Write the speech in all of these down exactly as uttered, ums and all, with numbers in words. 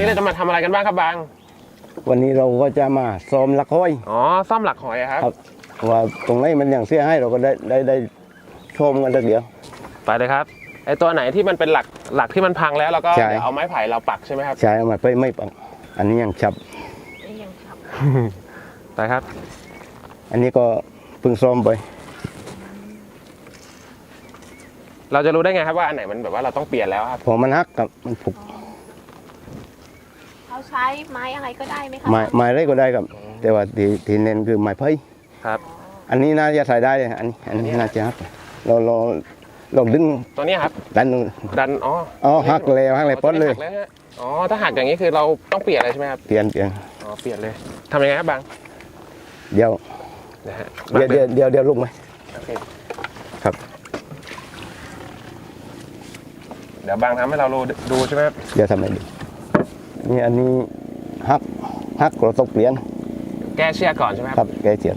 เราจะมาทำอะไรกันบ้างครับบางวันนี้เราก็จะมาซ้อมหลักห้อยอ๋อซ่อมหลักหอยครับว่าตรงไหนมันอย่างเสียให้เราก็ได้ได้ได้ชมกันสักเดียวไปเลยครับไอตัวไหนที่มันเป็นหลักหลักที่มันพังแล้วเราก็เดี๋ยวเอาไม้ไผ่เราปักใช่ไหมครับใช่เอามาไปไม่ปักอันนี้ยังฉับยังฉับไปครับอันนี้ก็เพิ่งซ้อมไปเราจะรู้ได้ไงครับว่าอันไหนมันแบบว่าเราต้องเปลี่ยนแล้วครับพอมันหักกับมันผุกเราใช้ไม้อะไรก็ได้ไหมครับไม้ไม้ไรก็ได้ครับแต่ว่าที่ที่เน้นคือไม้ไผ่ครับอันนี้น่าจะใส่ได้อันนี้อันนี้น่าจะหักเราเราเราดึงตัวนี้ครับดันดันอ๋ออ๋อหักแล้วหักเลยป้อนเลยอ๋อถ้าหักอย่างนี้คือเราต้องเปลี่ยนอะไรใช่ไหมครับเปลี่ยนเปลี่ยนอ๋อเปลี่ยนเลยทำยังไงครับบางเดี๋ยวเดี๋ยวเดี๋ยวเดี๋ยวเดี๋ยวลงไหมครับเดี๋ยวบางทำให้เราดูใช่ไหมครับเดี๋ยวทำให้ดูนี่อันนี้หักหักเราต้องเปลี่ยนแก้เชือกก่อนใช่ไหมครับแก้เชือก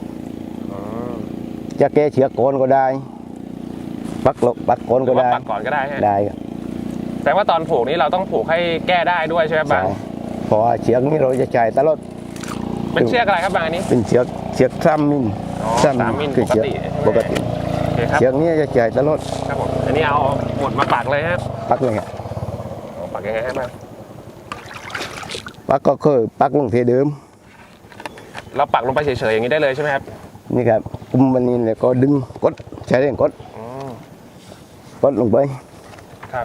จะแก้เชือกก่อนก็ได้ปักลปักก่อนก็ได้ปักก่อนก็ได้ได้ครับแต่ว่าตอนผูกนี้เราต้องผูกให้แก้ได้ด้วยใช่ไหมบางเพราะว่าเชือกนี้เราจะจ่ายตลอดเป็นเชือกอะไรครับบางอันนี้เป็นเชือกเชือกสามมิลสามมิลปกติปกติเชือกนี้จะจ่ายตลอดครับผมอันนี้เอาหมดมาปักเลยครับปักเลยครับปักยังไงครับบางปักก็คือปักลงเทเดิมเราปักลงไปเฉยๆอย่างนี้ได้เลยใช่ไหมครับนี่ครับกุมวันนี้เลยก็ดึงกดใช้แรงกดกดลงไปครับ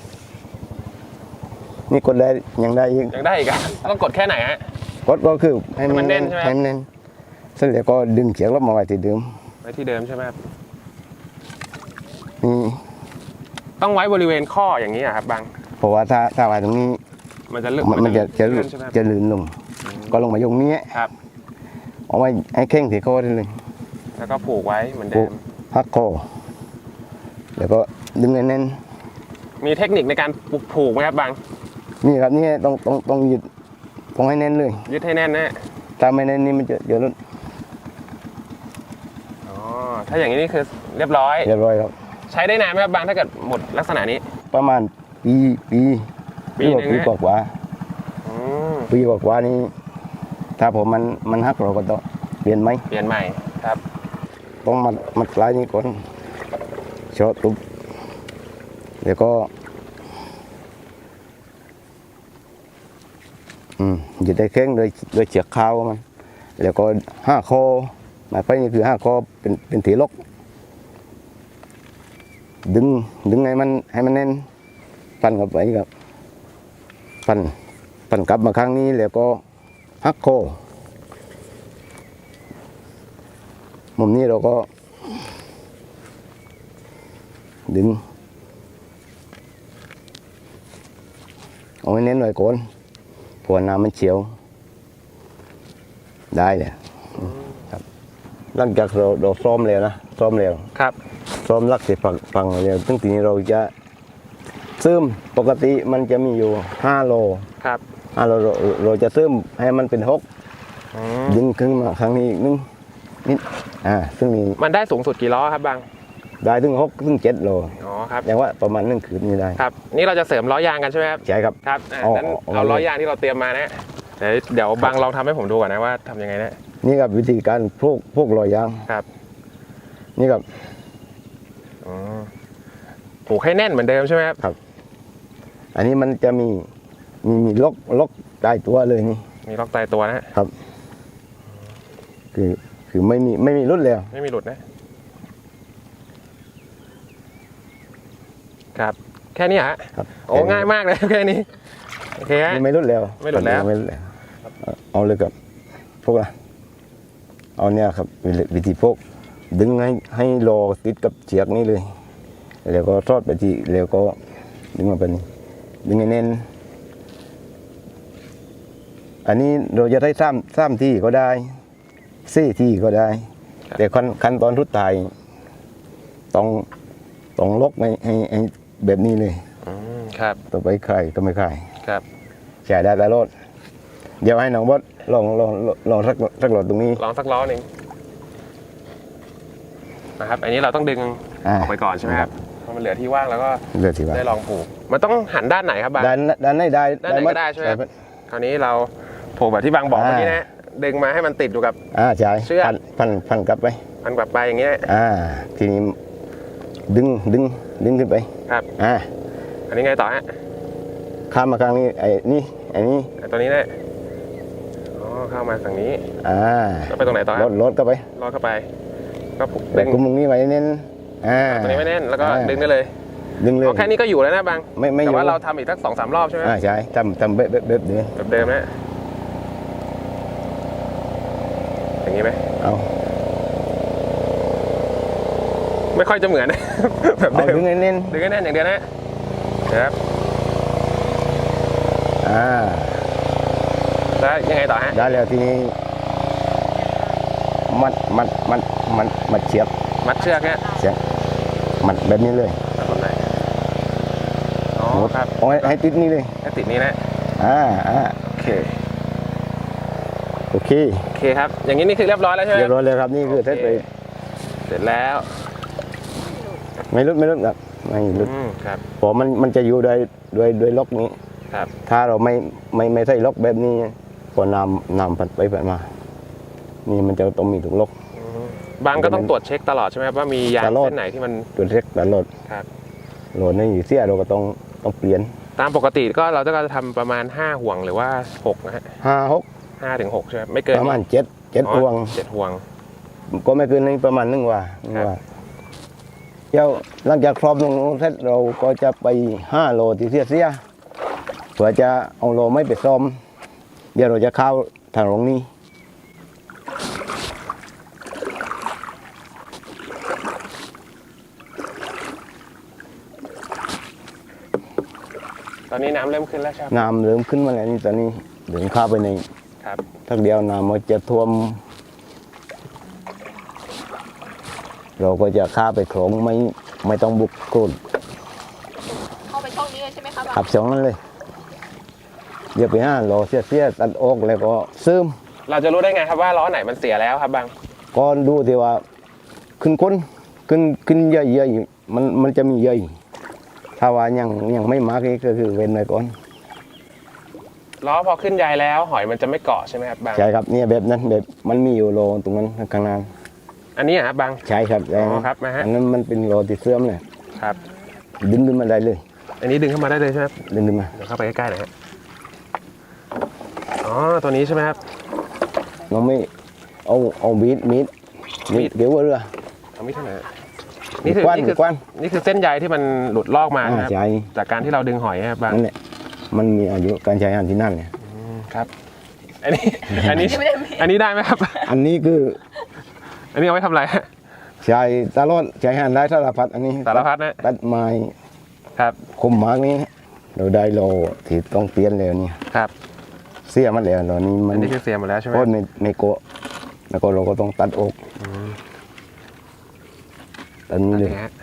นี่กดได้ยังได้อีกยังได้อีกอ่ะต้องกดแค่ไหนฮะกดก็คือให้มันแน่นใช่ไหมให้มันแน่นเสร็จแล้วก็ดึงเชือกลงมาไว้ที่เดิมไว้ที่เดิมใช่ไหมครับนี่ต้องไว้บริเวณข้ออย่างนี้อ่ะครับบางเพราะว่าถ้าถ้าไว้ตรงนี้มันจะเลื่อนมันจะจะจะลื่นลงก็ลงมายงนี้ครับเอาไว้ให้เข่งที่คอได้เลยแล้วก็ผูกไว้เหมือนเดิมพักคอแล้วก็ดึงแน่นมีเทคนิคในการผูกไหมครับบางนี่ครับนี่ต้องต้องต้องยึดต้องให้แน่นเลยยึดให้แน่นนะถ้าไม่แน่นนี่มันจะเดี๋ยวลุ้นอ๋อถ้าอย่างนี้นี่คือเรียบร้อยเรียบร้อยครับใช้ได้นานไหมครับบางถ้าเกิดหมดลักษณะนี้ประมาณปีปีปีนึงปีกว่าว่าปีกว่าว่านี้ถ้าผมมันมันหักเราก็ต้องเปลี่ยนไหมเปลี่ยนใหม่ครับต้องมัดมัดปลายนี้ก่อนช็อตตุ๊บเดี๋ยวก็อืมยึดได้แข็งโดยโดยเชือกขาวมันแล้วก็ห้าคอหมายไปนี่คือห้าคอเป็นเป็นถีล็อกดึงดึงให้มันให้มันแน่นปั่นกับไปกับปั่นปั่นกลับมาข้างนี้แล้วก็หักคอมุมนี้เราก็ดึงเอาไว้เน้นหน่อยก่อนพวน้ำมันเฉียวได้เลยครับหลังจากเราเราซ้อมแล้วนะซ้อมแล้วครับซ้อมลักเสร็จฟังฟังแล้วซึ่งทีนี้เราจะซึมปกติมันจะมีอยู่ห้าโลครับห้าโลเราเราจะซึมให้มันเป็นหกดึงขึ้นมาครั้งนี้อีกนึงนิดอ่าซึ่งมีมันได้สูงสุดกี่ล้อครับบางได้ถึงหกถึงเจ็ดโลอ๋อครับอย่างว่าประมาณหนึ่งคืนนี้ได้ครับนี่เราจะเสริมล้อยางกันใช่ไหมครับใช่ครับครับงั้นเอาล้อยางที่เราเตรียมมานะเดี๋ยวเดี๋ยวบางลองทำให้ผมดูก่อนนะว่าทำยังไงนะนี่ครับวิธีการพวกพวกล้อยางครับนี่ครับอ๋อผูกให้แน่นเหมือนเดิมใช่ไหมครับครับอันนี้มันจะมีมีมีล็อกล็อกตายตัวเลยนี่มีล็อกตายตัวนะครับคือคือไม่มีไม่มีหลุดแล้วไม่มีหลุดนะครับแค่นี้ฮะโอ้ง่ายมากเลยแค่นี้โอเคฮะไม่หลุดแล้วไม่หลุดแล้วไม่หลุดแล้วเอาเลยกับพวกอะเอาเนี่ยครับวิธีพวกดึงให้ให้รอติดกับเชือกนี้เลยแล้วก็ทอดไปที่แล้วก็ดึงมาเป็นดึงให้แน่นอันนี้เราจะได้ซ้ำซ้ำที่ก็ได้ซี่ที่ก็ได้แต่ขั้นขั้นตอนทุดท้ายต้องต้องล็อกให้ให้แบบนี้เลยครับต่อไปใครก็ไม่ใครครับใช้ได้ตลอดเดี๋ยวให้น้องบดลองลองลองสักสักหลอดตรงนี้ลองสักล้อหนึ่งนะครับอันนี้เราต้องดึงออกไปก่อนใช่ไหมครับมันเหลือที่ว่างแล้วก็เลือกที่ว่าได้ลองผูกมันต้องหันด้านไหนครับบางด้านด้านไหนได้ด้านไหนก็ได้ใช่ไหมครับ คราวนี้เราผูกแบบที่บางบอกเมื่อกี้นะดึงมาให้มันติดอยู่กับอ่าใช่เชือกพันพันพันกลับไปมันกลับไปอย่างเงี้ยอ่าทีนี้ดึงดึงดึงขึ้นไปครับอ่าอันนี้ไงต่อฮะข้ามมาข้างนี้ไอ้นี่ไอ้นี่ไอ้ตัวนี้เนี่ยอ๋อเข้ามาฝั่งนี้อ่าแล้วไปตรงไหนต่อครรับถรถก็ไปลอดเข้าไปก็ผูกแต่ดึงกุมตรงนี้ไว้เน้นอ่าตัวนี้ไม่แน่นแล้วก็อ่าดึงได้เลยดึงเลยอ๋อแค่นี้ก็อยู่แล้วนะบางไม่ไม่อแต่ยู่ว่าเราทำอีกสักสองสามรอบใช่ไหมอ่าใช่ทำทำเบ๊ะเบ๊ะเบ๊ะเดินแบบเดิมนะอย่างนี้ไหมเอาไม่ค่อยจะเหมือน แบบเอาเดิมดึงให้เน้นดึงให้แน่นอย่างเดียวนะนะครับอ่าแล้วยังไงต่อฮะได้แล้วทีนี้มัดมัดมัดมัดมัดเชือกมัดเชือกเนี่ยเชือกมัดแบบนี้เลยตรงไหนอ๋อครับเอาให้ให้ติดนี่เลยให้ติดนี้นะอ่าอ่าโอเคโอเคโอเคครับอย่างนี้นี่คือเรียบร้อยแล้วใช่ไหมเรียบร้อยเลยครับนี่คือเสร็จไปเสร็จแล้วไม่ลุดไม่ลุดครับไม่ลุดอืมครับเพราะมันมันจะอยู่โดยโดยโดยล็อกนี้ครับถ้าเราไม่ไม่ไม่ใส่ล็อกแบบนี้พอน้ำน้ำผัดไปผัดมา นี่มันจะต้องมีถุงล็อกอืมบางก็ต้องตรวจเช็คตลอดใช่ไหมครับว่ามียางตลอดเส้นไหนที่มันตัวเล็กตลอดครับโหลดในอยู่เสียเราก็ต้องต้องเปลี่ยนตามปกติก็เราจะทำประมาณห้าห่วงหรือว่าหกนะฮะห้าหกห้าถึงหกใช่ไหมไม่เกินประมาณเจ็ดเจ็ดอ๋อพวงเจ็ดห่วงก็ไม่เกินนี้ประมาณหนึ่งว่าหนึ่งครับว่าเดี๋ยวหลังจากครอบตรงนู้นเสร็จเราก็จะไปห้าโลที่เสียเสียเพื่อจะเอาโลไม่ไปซ่อม เดี๋ยวเราจะเข้าทางตรงนี้ตอนนี้น้ำเริ่มขึ้นแล้วใช่ไหมน้ำเริ่มขึ้นมาแล้วนี่ตอนนี้เดินเข้าไปในครับทักเดียวน้ำมันจะท่วม เราก็จะข้าไปโขลงไม่ไม่ต้องบุกโคลนเข้าไปช่องนี้เลยใช่ไหมคะบางขับสองนั้นเลยเดี๋ยวไปห้าโลเสียเสียตัดออกแล้วก็ซึมเราจะรู้ได้ไงครับว่าล้อไหนมันเสียแล้วครับบางก่อนดูที่ว่าขึ้นก้นขึ้นขึ้นเยอะๆมันมันจะมีเยอะถ้าว่ายังยังไม่มากนี่ก็คือเว้นไว้ก่อนล้อพอขึ้นใยแล้วหอยมันจะไม่เกาะใช่ไหมครับบางใช่ครับเนี่ยแบบนั้นแบบมันมีอยู่โลตรงนั้นข้างหน้าอันนี้อะครับบางใช่ครับอ๋อครับนะฮะอันนั้นมันเป็นโลที่เสื่อมเลยครับดึงขึ้นมาได้เลยอันนี้ดึงเข้ามาได้เลยใช่ไหมครับดึงขึ้นมาเดี๋ยวเข้าไปใกล้ๆหน่อยฮะอ๋อตัวนี้ใช่ไหมครับเราไม่เอาเอามีดมีดมีมีดดเดี๋ยวว่าเรือเอาไม่ใช่ไหนนี่คือกว้านนี่คือกว้านนี่คือเส้นใยที่มันหลุดลอกมาอ่านะครับใช่จากการที่เราดึงหอยครับบางนั่นแหละมันมีอายุการใช้งานที่นั่นเนี่ยอืมครับ อันนี้อันนี้อันนี้ได้ไหมครับอันนี้คืออันนี้เอาไว้ทำอะไรฮะใช้ตลอดใช้งานได้สารพัดอันนี้สารพัดนะตัดไม้ครับคมมากนี้เราได้โลที่ต้องเปลี่ยนแล้วเนี่ยครับเสียมันแล้วตอนนี้มัอันนนี้คือเสียหมดแล้วใช่ไหมโคตรไม่ไม่โกะแล้วก็เราก็ต้องตัดออกอืมตัดนี้อันเลยนี้ฮะ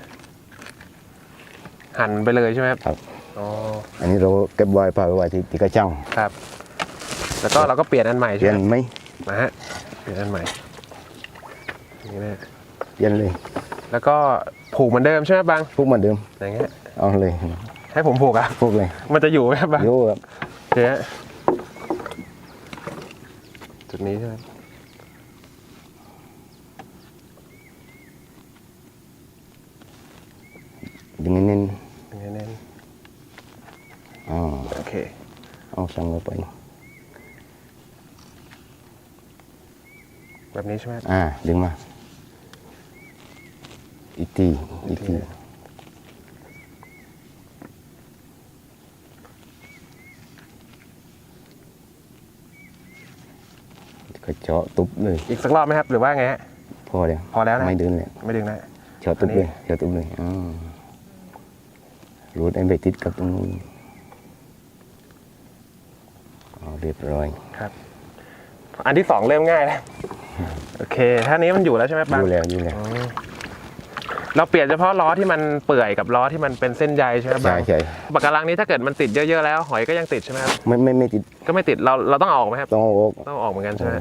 หั่นไปเลยใช่ไหมครับครับอ๋ออันนี้เราเก็บไว้พาไว้ที่ที่กระชังครับ แล้วก็เราก็เปลี่ยนอันใหม่เปใช่ลี่ยไหมนไหมนะฮะเปลี่ยนอันใหม่อย่างนี่นะเปลี่ยนเลยแล้วก็ผูกเหมือนเดิมใช่ไหมบางพวกเหมือนเดิมอย่างเงี้ยเอาเลยให้ผมผูกอ่ะพวกเลยมันจะอยู่ไหมครับบางโยครับเจ๊จุดนี้ใช่ไหมดึงเน้นอย่างนี้เน้นๆอ๋อโอเคเอาสั่งลงไปแบบนี้ใช่ไหมอ่าดึงมาอีกทีอีกทีก็เจาะตุบเลยอีกสักรอบไหมครับ หรือว่าไงฮะพอแล้วพอแล้วนะไม่ดึงเลยไม่ดึงนะเจาะตุบอันนี้เลยเจาะตุบเลยอ๋อรูดไอ้ไปติดกับตรงนู้นเอาเรียบร้อยครับ อันที่สองเริ่มง่ายแล้วโอเคท่านี้มันอยู่แล้วใช่ไหมบางดูแล้วดูแล้วอืมเราเปลี่ยนเฉพาะล้อที่มันเปื่อยกับล้อที่มันเป็นเส้นใยใช่ไหมใช่บางใช่ปากการังนี้ถ้าเกิดมันติดเยอะๆแล้วหอยก็ยังติดใช่ไหมครับไม่ไม่ไม่ติดก็ไม่ติดเราเราต้องเอาออกไหมครับต้องเอาออกต้องเอาออกเหมือนกันใช่ไหม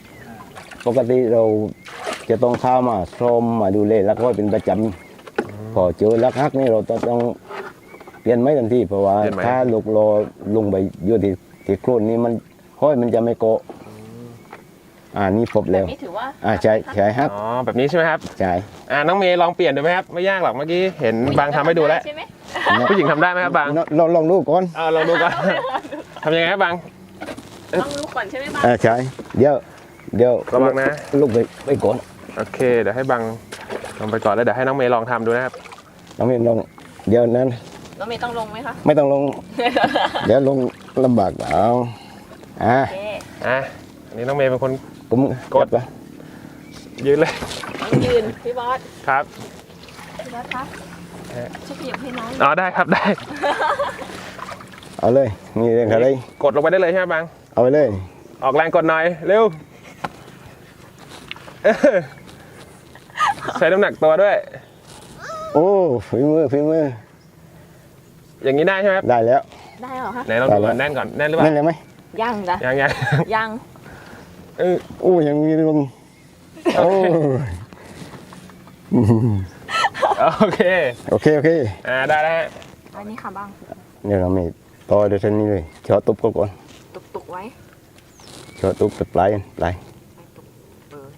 ปกติเราจะต้องเข้ามาซ่อมมาดูแลแล้วก็เป็นประจอืมพอเจอลักฮักนี่เราต้องเปลี่ยนไม้ทันทีเพราะว่าถ้าลูกรอลงไปโยนที่ที่โคลนนี่มันห้อยมันจะไม่เกาะอ่านี่พบแบแล้บวนี้ถือว่าอ่าใช่ใช่ครับอ๋อแบบนี้ใช่ไหมครับใช่อ่าน้องเมย์ลองเปลี่ยนดูไหมครับไม่ยากหรอกเมื่อกี้เห็นบางทำให้ดูแล้วใช่ไหมผู้หญิงทำได้ไหมครับบางลองลองดูก่อนเออลองดูก่อน ทำยังไงครับบางต้องรู้ก่อนใช่ไหมบ้างอ่าใช่เดี๋ยวเดี๋ยวระวังนะลูกไปไปก่อนโอเคเดี๋ยวให้บางลองไปก่อนแล้วเดี๋ยวให้น้องเมย์ลองทำดูนะครับน้องเมย์ลองเดี๋ยวนั้นน้องเมย์ต้องลงไหมคะไม่ต้องลง เดี๋ยวลงลำบากเอาอ่าโอเคอ่ะอันนี้น้องเมย์เป็นคนผมกดจับก่อนยืนเลยต้องยืนพี่บอสครับพี่บอสคะช่วยขยับให้น้องอ๋อได้ครับได้เอาเลยมีเรื่องอะไรกดลงไปได้เลยใช่ไหมบางเอาไปเลยออกแรงกดหน่อยเร็วเออใช้น้ำหนักตัวด้วยโอ้ฝีมือฝีมืออย่างนี้ได้ใช่ไหมครับได้แล้วได้เหรอคะไหนลองดูก่อนแน่นก่อนแน่นหรือเปล่านั่นเลยไหมยังจ้ะยังยังยังเออโอ้ยังมีลงโอ้โอเคโอเคโอเคอ่าได้แล้วฮะอันนี้ค่ะบ้างเดี๋ยวเราไม่ต่อเดี๋ยวเท่านี้เลยเจาะตุบก่อนตุกตุกๆไว้เจาะตุบปลายปลายไปตุกเออ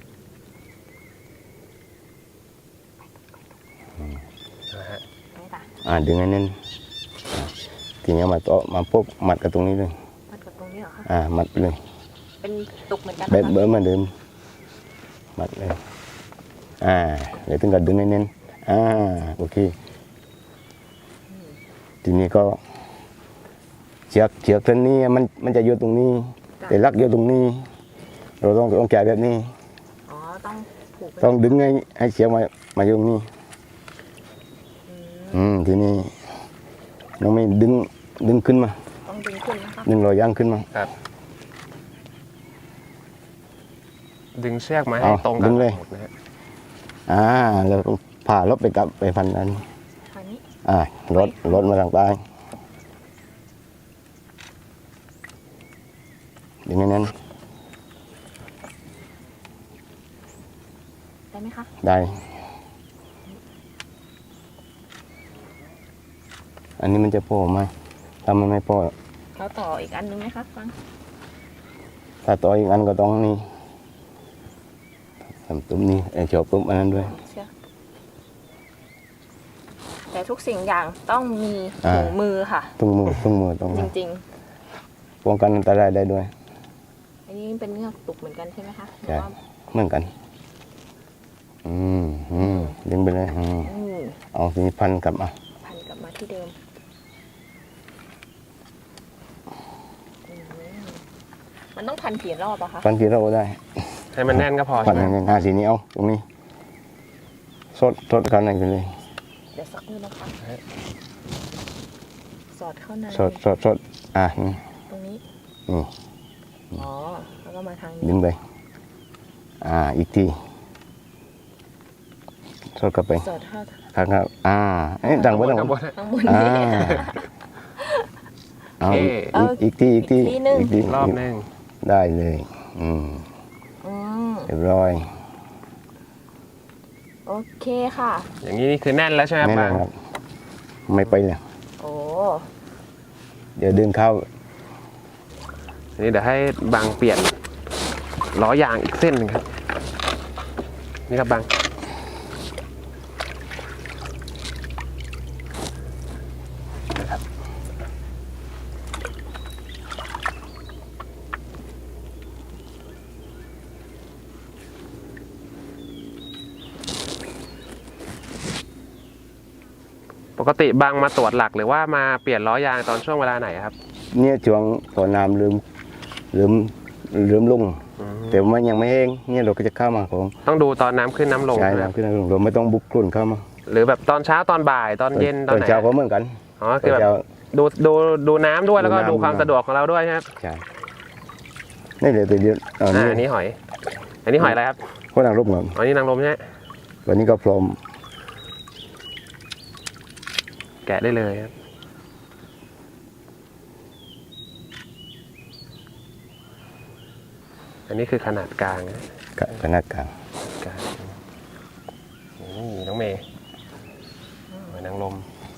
นะฮะไปจ้ะอ่าดึงให้แน่นอ่าทีนี้มาต่อมาปุ๊บมัดกับตรงนี้เลยมัดกับตรงนี้เหรอคะอ่ามัดไปเลยเป็นตุกเหมือนกันแบบนะคะเบอร์เหมาเดิมมัดเลยอ่าเดี๋ยวถึงกับดึงให้แน่นอ่าโอเคทีนี้ก็เชือกเชือกเส้นนี้มันมันจะอยู่ตรงนี้ แต่ลักอยู่ตรงนี้ เราต้องต้องจ่ายแบบนี้อ๋อต้องผูกเป็นต้องดึงให้ให้เชือกมามาอยู่ตรงนี้อืมอืมทีนี้น้องไม่ดึงดึงขึ้นมาต้องดึงขึ้นนะคะดึงรอยย่างขึ้นมาดึงเชือกมาให้เอาตรงดึกันงเลยหมดนะฮะอ่าแล้วก็ผ่าลบไปกับไปพันนั้นอันนี้อ่ารถรถมาทางใต้ดึงให้แนั้นได้ไหมคะได้ อันนี้มันจะพอไหมถ้ามันไม่พอเราต่ออีกอันนึงไหมคะฟังถ้าต่ออีกอันก็ต้องนี่ทำตุ้มนี้ไอ้จอบตุ้มอันนั้นด้วยเชือกแต่ทุกสิ่งอย่างต้องมีอ่าถุงมือค่ะตุ้งมือตุ้งมือต้องจริงป้องกันอันตรายได้ด้วยๆ อันนี้เป็นเงือกตุกเหมือนกันใช่ไหมคะหรือใช่ว่าเหมือนกัน อืมอืมดึงไปเลยอืมอืมเอาทีนี้พันกลับมาพันกลับมาที่เดิมอืมมันต้องพันกี่รอบอะคะพันทีเราก็ได้ให้มันแน่นก็พอพัใช่นไหมงานทีนี้เอาตรงนี้สดสดกันไหนไปเลยเดี๋ยวสักนิดนะคะ สอดเข้าในสดสดสดอ่ะนี่ตรงนี้นี่อ๋อ แล้วก็มาทางดึนี้งไปอ่าอีกทีสดกลับไปสอดเข้าทางครับอ่าเอ้ยดังไว้ดังข้างบไว้นข้างบนอ่านี้เอาอีกเอาอีกทีอีกทีอีกทีหนึ่งอีกทีรอบหนึงได้เลย อืมอืมเรียบร้อยโอเคค่ะอย่างนี้นี่คือแน่นแล้วใช่ไหมครับแน่นบางครับ ไม่ไปเลยโอ้เดี๋ยวดึงเข้าทีนี้เดี๋ยวให้บางเปลี่ยนล้อยางอีกเส้นหนึ่งครับ นี่ครับบาง ปกติบางมาตรวจหลักหรือว่ามาเปลี่ยนล้อยางตอนช่วงเวลาไหนครับเนี่ยช่วงพอน้ำลืมลืมลืมลง แต่มันยังไม่แห้งเนี่ยเราก็จะเข้ามาของต้องดูตอนน้ำขึ้นน้ำลงใช่ใช่ไหมน้ำขึ้นน้ำลงเราไม่ต้องบุกกลุ่นเข้ามาหรือแบบตอนเช้าตอนบ่ายตอนเย็นตตอนอนไหนเช้าก็เหมือนกันอ๋อตคืออนแบบเช้าดูดูดูน้ำด้วยแล้วก็ดูน้ำดูความสะดวกของเราด้วยใช่ไหมครับใช่นี่เดี๋ยวเดี๋ยวเอาอ่านี่อันนี้หอย อันนี้หอยอะไรครับก็นางรบเงินอ๋อนี่นางรมใช่ไหมวันนี้ก็พร้อมแกะได้เลยครับอันนี้คือขนาดกลางนะกับขนาดกลางกลางนี่น้องเมย์อ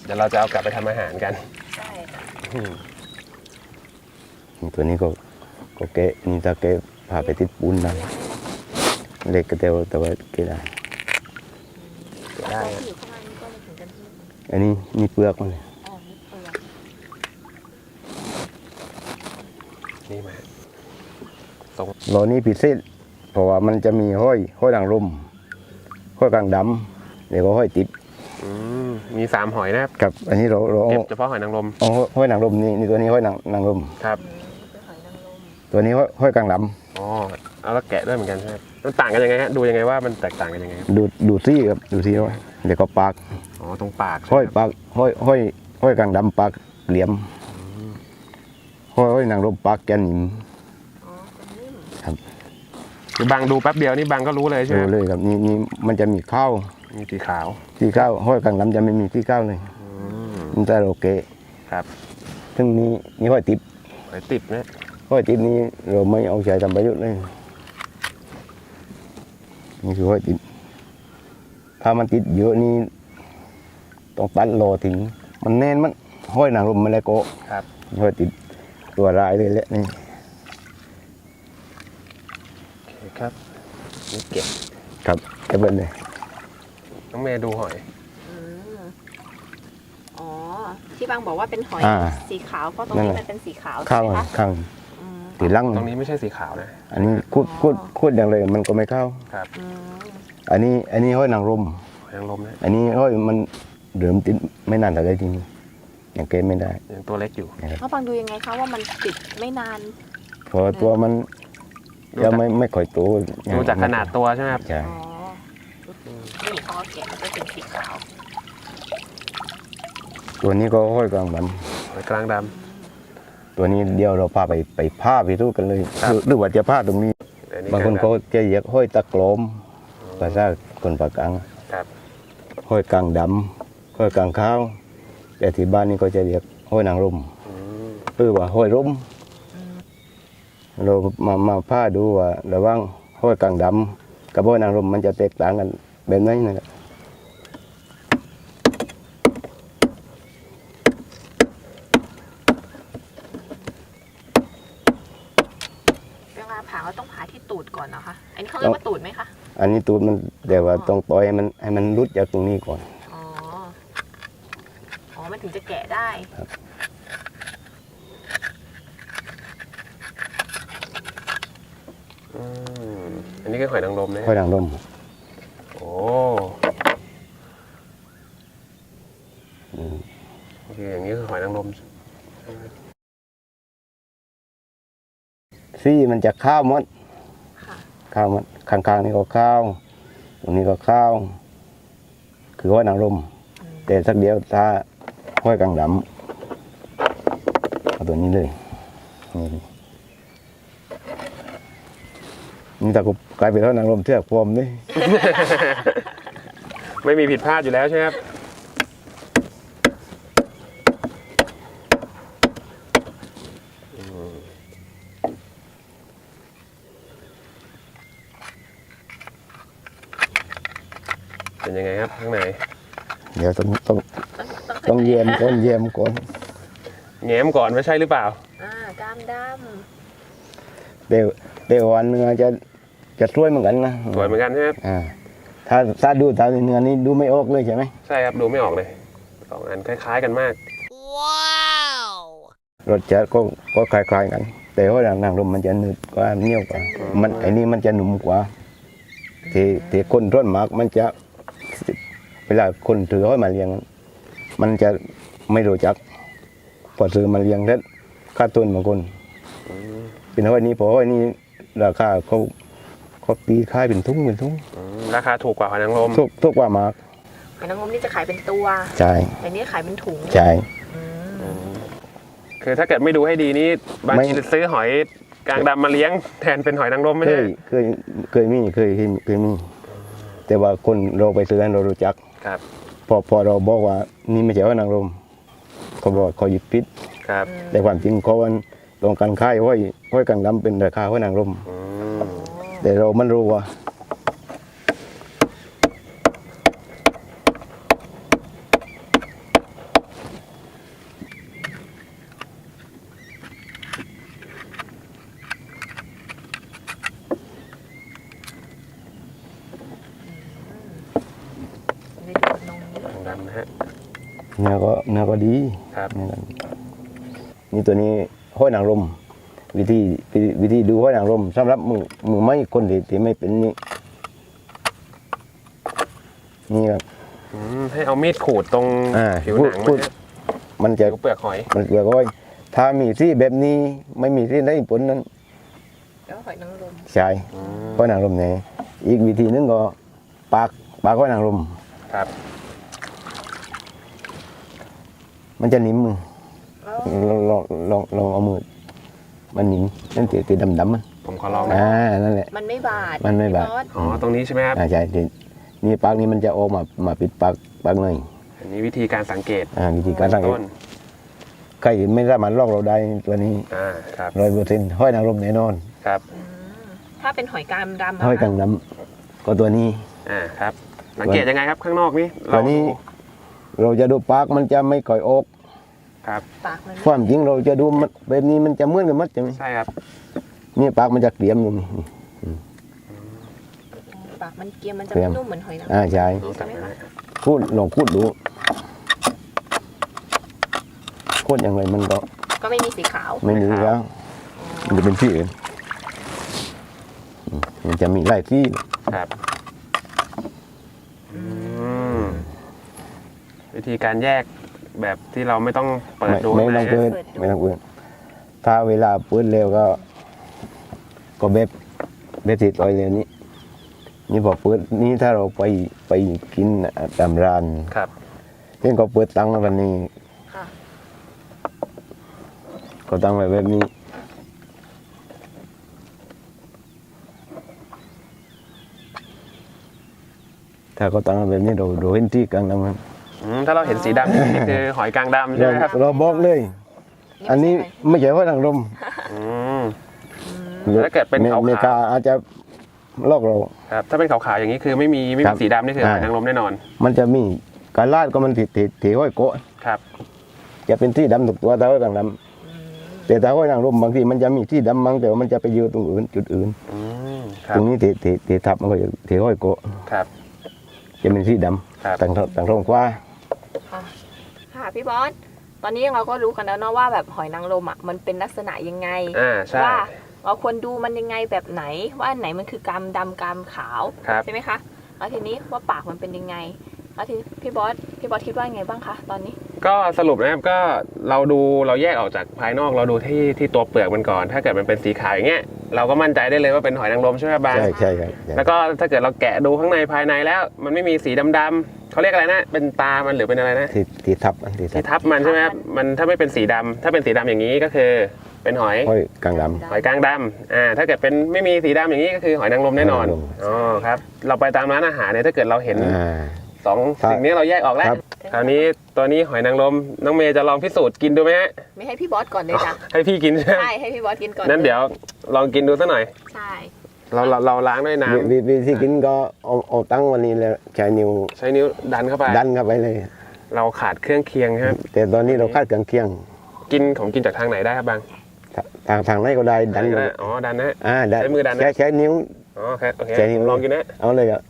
เดี๋ยวเราจะเอากลับไปทำอาหารกันใช่ค่ะอืมตัวนี้ก็ก็เกะนี่ถ้าเกะพาไปติดปูนได้เล็กก็เดียวแต่ว่าเกะได้ได้แล้วฮะที่อยู่ข้างล่างนี่ก็ไม่ถึงกันที่อันนี้นี่เปลือกมันเลยอ๋อนี่เปลือกนี่มาโลนี้พิเศษเพราะว่ามันจะมีห้อยห้อยด่างลมห้อยกลางดำแล้วก็ห้อยติดอืมมีสามหอยนะครับกับอันนี้เราเราเอาเก็บเฉพาะหอยนางรมเอาห้อยนางรมนี่นี่ตัวนี้ห้อยนางนางรมครับอืมนี่คือหอยนางรมตัวนี้ห้อยห้อยกลางดอ๋อเอาแล้วแกะด้วยเหมือนกันใช่ไหมมันต่างกันยังไงฮะดูยังไงว่ามันแตกต่างกันยังไงครับำดูดูซี่ครับดูซี่ห้อยเดี๋ยวก็ปากอ๋อตรงปากห้อยใช่ไหมครับปากห้อยห้อยห้อยกลางดำปากเหลี่ยมห้อยห้อยนางรมปากแกนหนิมอ๋อเป็นนิ่มคือบางดูแป๊บเดียวนี่บางก็รู้เลยใช่ไหดูมเลยครับนี่นี่มันจะมีข้าวมีสีขาวที่ข้าวห้อยกลางดำจะไม่มีที่ข้าวเลยอืมมันจะโอเคครับซึ่งนี้นี่ห้อยติดหอยติดนะห้อยติดนี้เราไม่เอาใช้ทำประโยชน์เลยนี่คือห้อยติดถ้ามันติดเยอะนี่ต้องตัดรอทิ้งมันแน่นมันห้อยนางรมมาแล้วก็ครับห้อยติดตัวรายเลยแหละนี่โอเคครับนี่เก็บครับเก็บไว้เลยน้องเมย์ดูหอยอืมอ๋อที่บางบอกว่าเป็นหอยอ่าสีขาวเพราะตรงนี้มันเป็นสีขาวข้าใช่วไหมคะข้างอืมตีลังตรงนี้ไม่ใช่สีขาวนะอันนี้คูดคูดคูดอย่างเลยมันก็ไม่เข้าครับอืมออันนี้อันนี้ห้อยนางรมหอยนางรมนะอันนี้ห้อยมันเดิมติดไม่นานแต่ได้จริงอย่างเกณฑ์ไม่ได้ยังตัวเล็กอยู่แล้วบางดูยังไงคะว่ามันติดไม่นานเพราะตัวมันยังไม่ไม่ค่อยโตดูจากขนาดตัวใช่ไหมครับใช่อ๋อนี่พอเก็บมันจะเป็นสีขาวตัวนี้ก็ห้อยกลางดหอยกลางดำตัวนี้เดี๋ยวเราพาไปไปผ้าไปทูกันเลยครับหรือหรือว่าจะผ้าตรงนี้ำอับางคนกลเขาดจะเรียกห้อยตะกลมภาษาคนปากกลางำครับห้อยกลางดำห้อยกลางข้าวแต่ที่บ้านนี่ก็จะเรียกห้อยนางรมอืมหรือว่าห้อยร่มเรามามาผ้าดูว่าระหว่างห้อยกลางดำกับห้อยนางรมมันจะแตกต่างกันแบบไหนนะครับเวลาผ่าเราต้องผ่าที่ตูดก่อนนะคะ อันนี้เขาเรียกว่าตูดไหมคะอันนี้ตูดมันแต่ว่าต้องต่อยให้มันให้มันรุดจากตรงนี้ก่อนอ๋อ อ๋อ มันถึงจะแกะได้อืมอันนี้คือหอยนางรมนะห้อยนางรมโอ้โอเคอย่างนี้คือหอยนางรมซี่มันจะข้าวหมดค่ะข้าวหมดข้างๆนี่ก็ข้าวตรงนี้ก็ข้าว คือห้อยนางรมอืมแต่สักเดียวถ้าห้อยกลางดำเอาตัวนี้เลยนี่นี่ตะกุบกลายเป็นห้อยนางรมเทือกพรมนี่ไม่มีผิดพลาดอยู่แล้วใช่ไหมครับอืมเป็นยังไงครับข้างในเดี๋ยวต้องต้องต้องต้องต้องเยี่ยมก่อนเยี่ยมก่อนแง้มก่อนไม่ใช่หรือเปล่าอ่ากล้ามดเดี๋ยวเดี๋ยววันเนื้อจะจะสวยเหมือนกันนะสวยเหมือนกันใช่ไหมครับอ่าถ้าถ้าดูตามเนื้อนี้ดูไม่ออกเลยใช่ไหมใช่ครับดูไม่ออกเลยสองอันคล้ายๆกันมากรสชาติก็ก็คล้ายๆกัน แต่ว่านางรมมันจะหนืดกว่าเหนียวกว่ามันไอ้นี่มันจะหนุ่มกว่าที่ที่คนร้อนมากมันจะเวลาคนถือห้อยมาเลี้ยง มันจะไม่รู้จักพอซื้อมาเลี้ยงแล้วค่าต้นบางคน เป็นห้อยนี้พอห้อยนี้ราคาเขาเขาตีค่ายเป็นทุ่งเป็นทุ่งอืมราคาถูกกว่าหอยนางรมทุกทุกว่ามากำหอยนางรมนี่จะขายเป็นตัวใช่แต่นี่ขายเป็นถุงใช่อืมอืมคือถ้าเกิดไม่ดูให้ดีนี่บางไม่ทีซื้อหอยกลางดำมาเลี้ยงแทนเป็นหอยนางรมไม่เคใช่ยเคยเคยมีเคยเคยเคยมี แต่ว่าคนเราไปซื้อให้เรารู้จักครับพอพอเราบอกว่านี่ไม่ใช่ว่านางรมเขาบอกเขาหยิบพิษครับแต่ความจริงเขาวันตรงการค่ายห้อยห้อยกลางดำเป็นราคาห้อยนางรมอืมแต่เรามันรู้ว่าเนื้อก็เนื้อก็ดีครับเนื้อก็นี่ตัวนี้ห้อยนางรมวิธีวิธีวิธีดูห้อยนางรมสำหรับมือมือไม่คนที่ที่ไม่เป็นนี่นี่ครับอืมให้เอามีดขูดตรงอ่าผิวหนังพูมัดนเนี่ยมันจะผิวเปลือกหอยมันเปลือกห้อยถ้ามีที่แบบนี้ไม่มีที่ได้ผลนั้นแล้วหอยนางรมใช่อืมห้อยนางรมเนี่ยอีกวิธีนึงก็ปากปากห้อยนางรมครับมันจะนิ่มมือแล้วลองลองลองลองเอามือมันนิ่มนั่นตีตีดำดำๆมันผมขอลองนะอ่านั่นแหละมันไม่บาดมันไม่บาดพี่อสอ๋อตรงนี้ใช่ไหมครับอ่าใช่ทีนี่ปากนี้มันจะออกมามาปิดปากปากหน่อยอันนี้วิธีการสังเกตอ่าวิธีการสังเกตต้นใครไม่สามารถลอกเราได้ตัวนี้อ่าครับร้อยเปอร์เซ็นต์ห้อยนางรมแน่นอนครับอืมถ้าเป็นหอยกามดำะห้อยกังคะน้ำก็ตัวนี้อ่าครับ สังเกตยังไงครับข้างนอกนี่ตัวนี้เราดูเราจะดูปากมันจะไม่ก่อยออกครับปากมันไม่ความจริงเราจะดูมันแบบนี้มันจะเหมือนกันหมัดใช่ไหมใช่ครับนี่ปากมันจะเกลี่ยมลงนี่ปากมันเกรียมมันจะเกรียมนุ่มเหมือนหอยนางรมอ่าใช่รู้จักไหมฮะพูดลองพูดดูพูดอย่างไรมันก็ก็ไม่มีสีขาวไม่มีแล้วมันจะเป็นที่อื่นอืมมันจะมีหลายที่ครับอืมวิธีการแยกแบบที่เราไม่ต้องเปิดไม่ดูไม่ข้างในต้องเปิดนะไม่ต้องเปิดถ้าเวลาเปิดเร็วก็ ก็แบบแบบติดรอยเร็วนี้ นี่พอเปิดนี่ถ้าเราไปไปกินตามร้านครับเช่นก็เปิดตังค์วันนี้ค่ะก็ตั้งไว้แบบนี้ ถ้าก็ตั้งไว้แบบนี้เราเราเห็นที่กลางน้ำครับอืมถ้าเราเห็นสีดำนี่นี่คือหอยกลางดำใช่เราไหมครับเราบอกเลย อันนี้ไม่ใช่ห้อยนางรมอืม ถ้าเกิดเป็นขาวๆเมกาอาจจะลอกเราครับถ้าเป็นขาวๆอย่างนี้คือไม่มีไม่ครัมีบสีดำนี่คือหอยอ่านางรมแน่นอนมันจะมีการลาดก็มันติดติดติดห้อยโกะครับจะเป็นที่ดำถูกตัวแต่ห้อยกลางดอืมำแต่ถ้าห้อยนางรมบางทีมันจะมีที่ดำบางแต่ว่ามันจะไปอยู่ตรงอื่นจุดอื่นอืมครัตบรงนี้ติดติดติดทับมันก็จะติดห้อยโกะครับจะเป็นที่ดครับำต่างท้องต่างท้องกว่าค่ะค่ะพี่บอสตอนนี้เราก็รู้กันแล้วเนาะว่าแบบหอยนางรมอ่ะมันเป็นลักษณะยังไงอ่าใช่ว่าเราควรดูมันยังไงแบบไหน ว่าอันไหนมันคือกามดำกามขาวครับใช่ไหมคะแล้วทีนี้ว่าปากมันเป็นยังไงแล้วทีพี่บอสพี่บอสคิดว่าไงบ้างคะตอนนี้ก็สรุปนะครับก็เราดูเราแยกออกจากภายนอกเราดูที่ที่ตัวเปลือกมันก่อน ถ้าเกิดมันเป็นสีขาวอย่างเงี้ยเราก็มั่นใจได้เลยว่าเป็นหอยนางรมใช่ไหมครับบางใช่ใช่ครับใช่แล้วก็ถ้าเกิดเราแกะดูข้างในภายในแล้ว มันไม่มีสีดำๆเขาเรียกอะไรนะเป็นตามันหรือเป็นอะไรนะที่ที่ทับอันที่ทัที่บทับมันใช่ไหมครับมันถ้าไม่เป็นสีดำถ้าเป็นสีดำอย่างนี้ก็คือเป็นหอยห้อยกลางดหอยกลางดำอ่าถ้าเกิดเป็นไม่มีสีดำอย่างนี้ก็คือหอยนางรมแน่นอนหอยนางรมอ๋อครับเราไปตามร้านอาหารเนี่ยถ้าเกิดเราเห็นำอ่าสองครับสิ่งนี้เราแยกออกแล้วครับคราวนี้ตัวนี้หอยนางรมน้องเมย์จะลองพิสูจน์กินดูไหมฮะไม่ให้พี่บอสก่อนเลยจ้ะให้พี่กินใช่ไหมใช่ให้พี่บอสกินก่อนนั้นเดี๋ยวลองกินดูสักหน่อยใช่เราเราเราล้างด้วยน้วิวิธีกินก็เอาเอาตั้งวันนี้แล้วใช้นิ้วำใช้นิ้วดันเข้าไปดันเข้าไปเลยเราขาดเครื่องเคียงใช่ไหมแต่ตอนนี้เราคาดเครื่องเคียงกินของกินจากทางไหนได้ครับบางทางทางไหนก็ได้ดันได้อ๋อดันนะอ่าได้ใช้มือดันนะใช้ใช้นิ้วอ๋อครับโอเคใช้นิ้วลองกินนะเอาเลยอ่ะ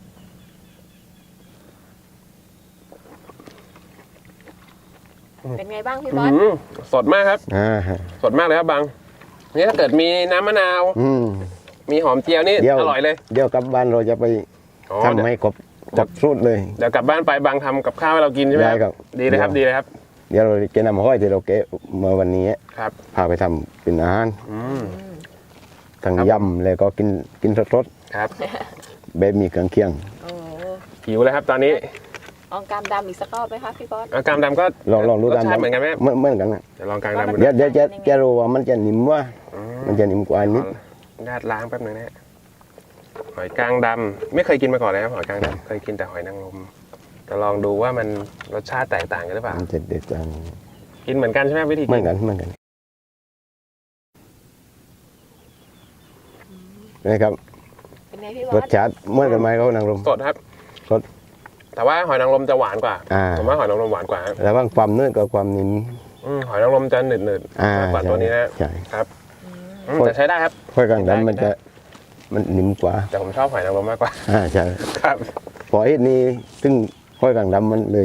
เป็นไงบ้างพี่อื้บออสหือสดมากครับอ่าฮะสดมากเลยครับบางนี่ถ้าเกิดมีน้ำมะนาวอืมมีหอมเจียวนี่เดี๋ยวอร่อยเลยเดี๋ยวกลับบ้านเราจะไปอ๋อทำให้ครบครบสูตรเลยเดี๋ยวกลับบ้านไปบางทำกับข้าวให้เรากินใช่ไหมได้ครับดีเลยครับดีเลยครับเดี๋ยวเราจะนำห้อยที่เราเกะมาวันนี้ครับพาไปทำเป็นอาหารอืมอืมทั้งครับยำแล้วก็กินกินสดครับๆแบบมีเครื่องเคียงโอ้หิวเลยครับตอนนี้ลองกามดำอีกสักรอบไหมคะพี่บอสเอากามดำก็ลองลองดูรสตามชาติเหมือนกันไหมเหมือนเหมือนกันนะเดี๋ยวลองกามดำดูเดี๋ยวเดี๋ยวจะจะรู้ว่ามันจะนิ่มว่าอืมมันจะนิ่มกว่านิดญาติล้างแป๊บนึงนะฮะหอยกลางดำไม่เคยกินมาก่อนเลยครับหอยกลางดำเคยกินแต่หอยนางรมจะลองดูว่ามันรสชาติแตกต่างกันหรือเปล่ามันจะเด็ดจังกินเหมือนกันใช่ไหมวิธีเหมืกิอนกันเหมือนกันนะครับเป็นไงพี่บอรสสชาติเหมือนกันไหมเขานางรมสดครับสดแต่ว่าหอยนางรมจะหวานกว่าอ่าผมว่าหอยนางรมหวานกว่าครับระหว่างความเนื้อกับความนิ่มอืมหอยนางรมจะหนืดหนืดๆอ่ามากกว่าตัวนี้นะใช่ครับอืมอืมแต่ใช้ได้ครับค่อยกลางดำมันจะมันนิ่มกว่าแต่ผมชอบหอยนางรมมากกว่าอ่าใช่ครับพอไอ้นี่ซึ่งค่อยกลางดำมันเลย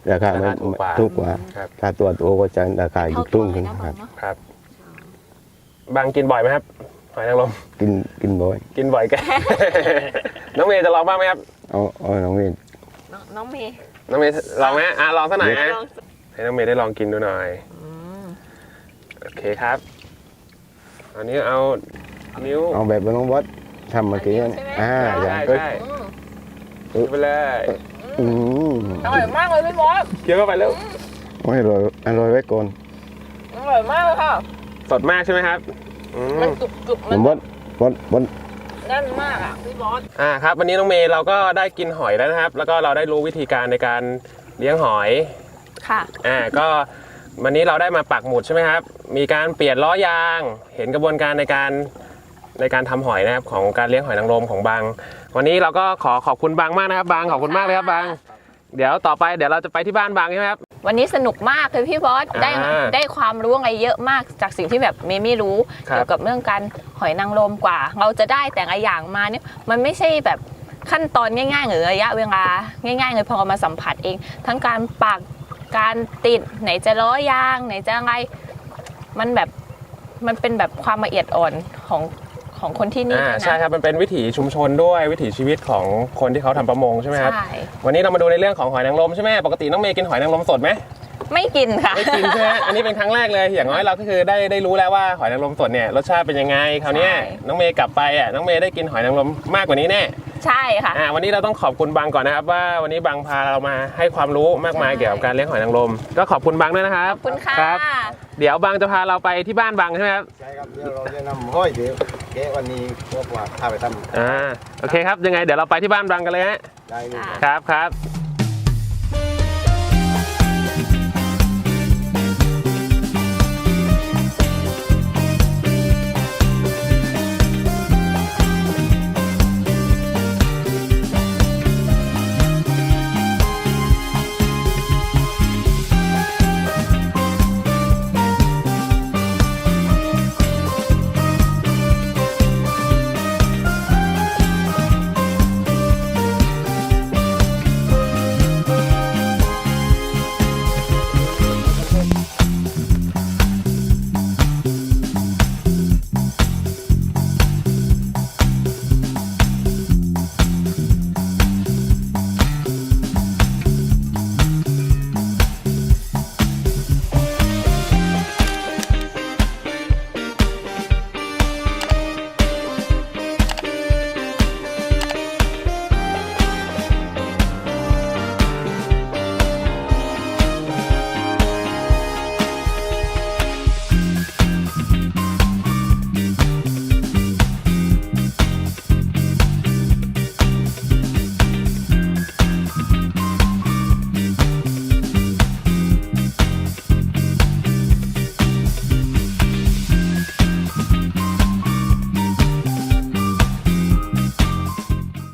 ราคาราไม่คาถูกกว่าถูกกว่าครับถ้าตัวโตก็จะราคาอยู่เท่าคตัรึ่วงเลขึ้ยนนะบคอรัลบเนาะบางกินบ่อยไหมครับหอยนางรมกินกินบ่อยกินบ่อยกัน น้องเมย์จะลองบ้างไหมครับเอาเอาน้องเวนน้องน้องเมย์น้องเมย์ลองไหมอ่ะลองสักหน่อยนะลองให้น้องเมย์ได้ลองกินดูหน่อยอืมโอเคครับอันนี้เอานิ้วเอาแบบน้องบอสทำเมื่อกี้นั่นอ่าอย่างใช่ก็ใช่อืมไปเลยอืมอร่อยมากเลยพี่บอสเคี้ยวเข้าไปเร็วโอ้ยอร่อยอร่อยไว้ก่อนอร่อยมากเลยค่ะสดมากใช่ไหมครับอืมมันกรุบกรุบๆน้มัอน งบอสบอสบอสแน่นมากอ่ะพี่บอสอ่าครับวันนี้น้องเมย์เราก็ได้กินหอยแล้วนะครับ แล้วก็เราได้รู้วิธีการในการเลี้ยงหอยค่ะอ่าก็วันนี้เราได้มาปักหมุดใช่ไหมครับ มีการเปลี่ยนล้อยาง เห็นกระบวนการในการในการทำหอยนะครับของการเลี้ยงหอยนางรมของบางวันนี้เราก็ขอขอบคุณบางมากนะครับบางขอบคุณมากเลยครับบางเดี๋ยวต่อไปเดี๋ยวเราจะไปที่บ้านบางใช่ไหมครับวันนี้สนุกมากเลยพี่บอส ได้อ่าได้ความรู้อะไรเยอะมากจากสิ่งที่แบบเมย์ไม่รู้ครับเกี่ยวกับเรื่องการหอยนางรมกว่า เราจะได้แต่ละอย่างมาเนี่ยมันไม่ใช่แบบขั้นตอนง่ายๆหรือระยะเวลาง่ายๆเลยพอเรามาสัมผัสเอง ทั้งการปักการติดไหนจะล้อยางไหนจะอะไรมันแบบมันเป็นแบบความละเอียดอ่อนของของคนที่นี่อ่าด้วยนะใช่ครับมันเป็นวิถีชุมชนด้วยวิถีชีวิตของคนที่เขาทำประมงใช่ไหมครับใช่วันนี้เรามาดูในเรื่องของหอยนางรมใช่ไหมปกติน้องเมย์กินหอยนางรมสดไหมไม่กินค่ะไม่กินใช่ไหมอันนี้เป็นครั้งแรกเลยอย่างน้อยเราก็คือได้ได้รู้แล้วว่าหอยนางรมสดเนี่ยรสชาติเป็นยังไงคราวเนี้ยใช่น้องเมย์กลับไปอ่ะน้องเมย์ได้กินหอยนางรมมากกว่านี้แน่ใช่ค่ะอ่าวันนี้เราต้องขอบคุณบางก่อนนะครับว่าวันนี้บางพาเรามาให้ความรู้มากมายใช่เกี่ยวกับการเลี้ยงหอยนางรมก็ขอบคุณบางด้วยนะครับขอบคุณค่ะรับเดี๋ยวบางจะพาเราไปที่บ้านบางใช่ไหมครับใช่ครับเดี๋ยวเราจะนำห้อยเดี๋ยวเก๊วันนี้พวกว่าพาไปทำอ่าโอเคครับยังไงเดี๋ยวเราไปที่บ้านบางกันเลยฮะได้เลยค่ะครับครับ